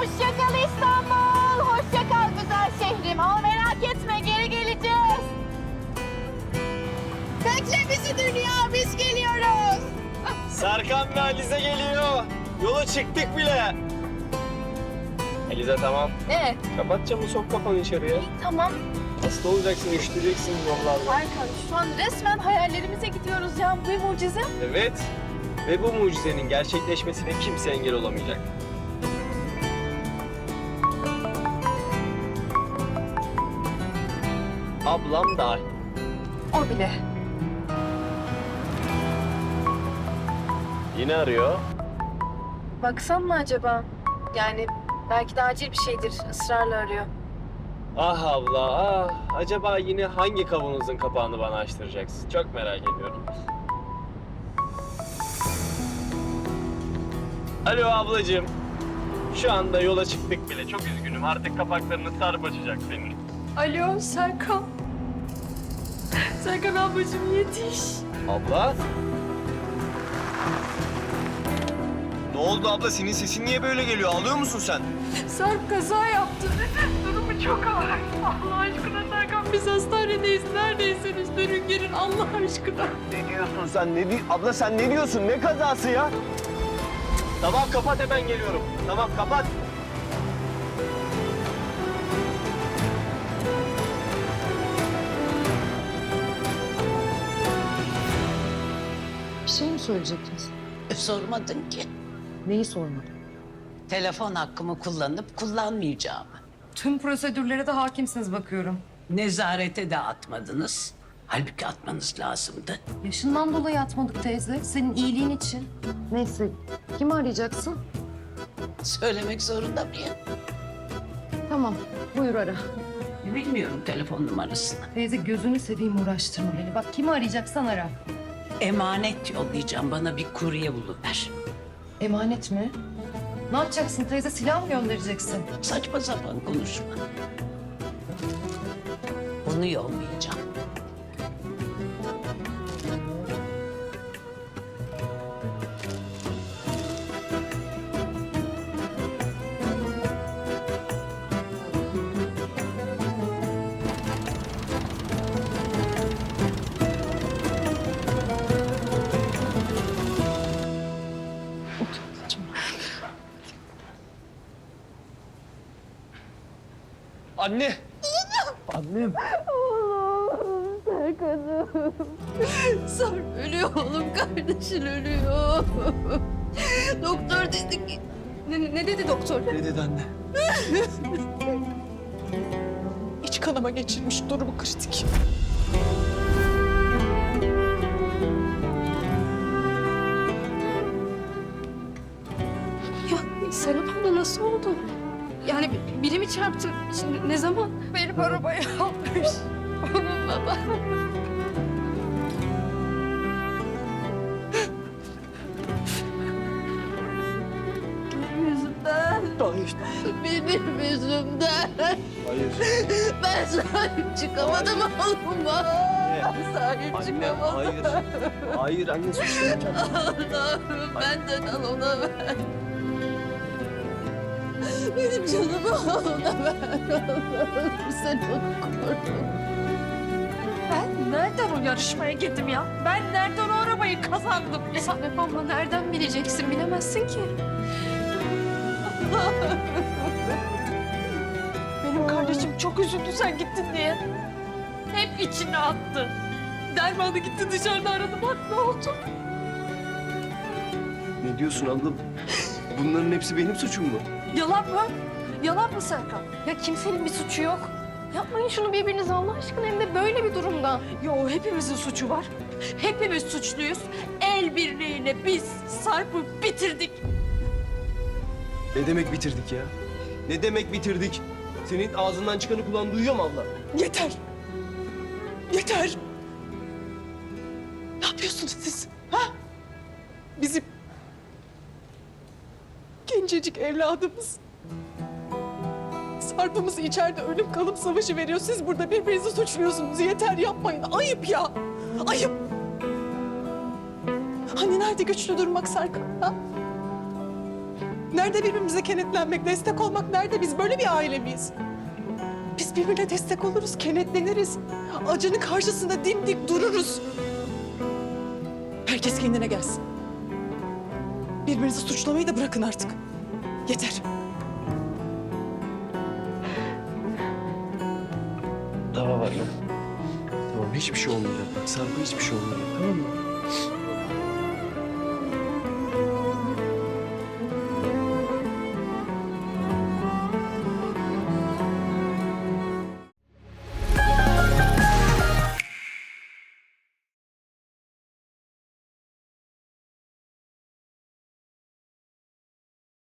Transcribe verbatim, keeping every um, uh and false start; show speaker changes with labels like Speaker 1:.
Speaker 1: Hoşça kal İstanbul. Hoşça kal güzel şehrim. Ama merak etme, geri geleceğiz. Bekle bizi dünya, biz geliyoruz.
Speaker 2: Serkan ve Alize geliyor. Yola çıktık bile. Alize tamam.
Speaker 1: Ne?
Speaker 2: Kapat camı, sok kafanı içeriye.
Speaker 1: Tamam.
Speaker 2: Hasta olacaksın, üşüteceksin yollarda.
Speaker 1: Serkan, şu an resmen hayallerimize gidiyoruz ya. Bu bir mucize.
Speaker 2: Evet. Ve bu mucizenin gerçekleşmesine kimse engel olamayacak. Ablam dahil.
Speaker 1: O bile.
Speaker 2: Yine arıyor.
Speaker 1: Baksam mı acaba? Yani belki de acil bir şeydir. Israrla arıyor.
Speaker 2: Ah abla, ah. Acaba yine hangi kavanozun kapağını bana açtıracaksın? Çok merak ediyorum. Alo ablacığım. Şu anda yola çıktık bile. Çok üzgünüm. Artık kapaklarını sarıp açacak senin.
Speaker 1: Alo Serkan. Serkan ablacığım yetiş.
Speaker 2: Abla? Ne oldu abla? Senin sesin niye böyle geliyor? Ağlıyor musun sen?
Speaker 1: Sarp kaza yaptı. Durumu çok ağır. Allah aşkına Serkan, biz hastanedeyiz. Neredeyseniz üstlerin gelin Allah aşkına.
Speaker 2: Ne diyorsun sen? Ne di abla sen ne diyorsun? Ne kazası ya? Tamam kapat, hemen geliyorum. Tamam kapat.
Speaker 3: Bir şey mi söyleyecektiniz?
Speaker 4: Sormadın ki.
Speaker 3: Neyi sormadım?
Speaker 4: Telefon hakkımı kullanıp kullanmayacağımı.
Speaker 3: Tüm prosedürlere de hakimsiniz bakıyorum.
Speaker 4: Nezarete de atmadınız. Halbuki atmanız lazımdı.
Speaker 3: Yaşından dolayı atmadık teyze. Senin iyiliğin için. Neyse. Kimi arayacaksın?
Speaker 4: Söylemek zorunda mıyım?
Speaker 3: Tamam. Buyur ara.
Speaker 4: Bilmiyorum telefon numarasını.
Speaker 3: Teyze gözünü seveyim, uğraştırma beni. Bak kimi arayacaksan ara.
Speaker 4: Emanet yollayacağım. Bana bir kurye buluver.
Speaker 3: Emanet mi? Ne yapacaksın teyze? Silah mı göndereceksin?
Speaker 4: Saçma sapan konuşma. Bunu yollayacağım.
Speaker 2: Anne! Annem!
Speaker 1: Sarp ölüyor oğlum, kardeşin ölüyor. Doktor dedi ki... Ne, ne dedi doktor?
Speaker 2: Ne dedi anne?
Speaker 5: İç kanama geçirmiş, durumu kritik.
Speaker 1: Ya Serap abla nasıl oldu? Yani biri mi çarptı? Şimdi ne zaman? Benim arabaya almış. Onun baba. Benim yüzümden.
Speaker 2: Hayır.
Speaker 1: Benim yüzümden.
Speaker 2: Hayır.
Speaker 1: Ben sahip çıkamadım oğluma. Sahip
Speaker 2: Anne,
Speaker 1: çıkamadım.
Speaker 2: hayır. Hayır anne, suçlamayacağım.
Speaker 1: Allah'ım benden al, ona ver. Benim canımı al, ona ver. Allah'ım sen onu koru. Ben nereden o yarışmaya girdim ya? Ben nereden o arabayı kazandım ya? Serap abla nereden bileceksin? Bilemezsin ki. Allah'ım.
Speaker 5: Benim kardeşim çok üzüldü sen gittin diye.
Speaker 1: Hep içine attı. Dermanı gitti dışarıda aradı. Bak ne oldu?
Speaker 2: Ne diyorsun abla? Bunların hepsi benim suçum mu?
Speaker 1: Yalan mı? Yalan mı Serkan? Ya kimsenin bir suçu yok. Yapmayın şunu birbirinize Allah aşkına, hem de böyle bir durumda.
Speaker 5: Yo, hepimizin suçu var.
Speaker 1: Hepimiz suçluyuz. El birliğiyle biz Sarp'ı bitirdik.
Speaker 2: Ne demek bitirdik ya? Ne demek bitirdik? Senin ağzından çıkanı kulağın duyuyor mu abla?
Speaker 5: Yeter. Yeter. Ne yapıyorsunuz siz? Ha? Bizim gencecik evladımız. Sarp'ımız içeride ölüm kalım savaşı veriyor. Siz burada birbirinizi suçluyorsunuz. Yeter, yapmayın. Ayıp ya. Ayıp. Hani nerede güçlü durmak Serkan? Ha? Nerede birbirimize kenetlenmek, destek olmak nerede? Biz böyle bir aile miyiz? Biz birbirine destek oluruz, kenetleniriz. Acının karşısında dimdik dururuz. Herkes kendine gelsin. Birbirinizi suçlamayı da bırakın artık. Yeter.
Speaker 2: Tamam anne. Tamam hiçbir şey olmayacak. Bak Sarp'a hiçbir şey olmayacak tamam mı?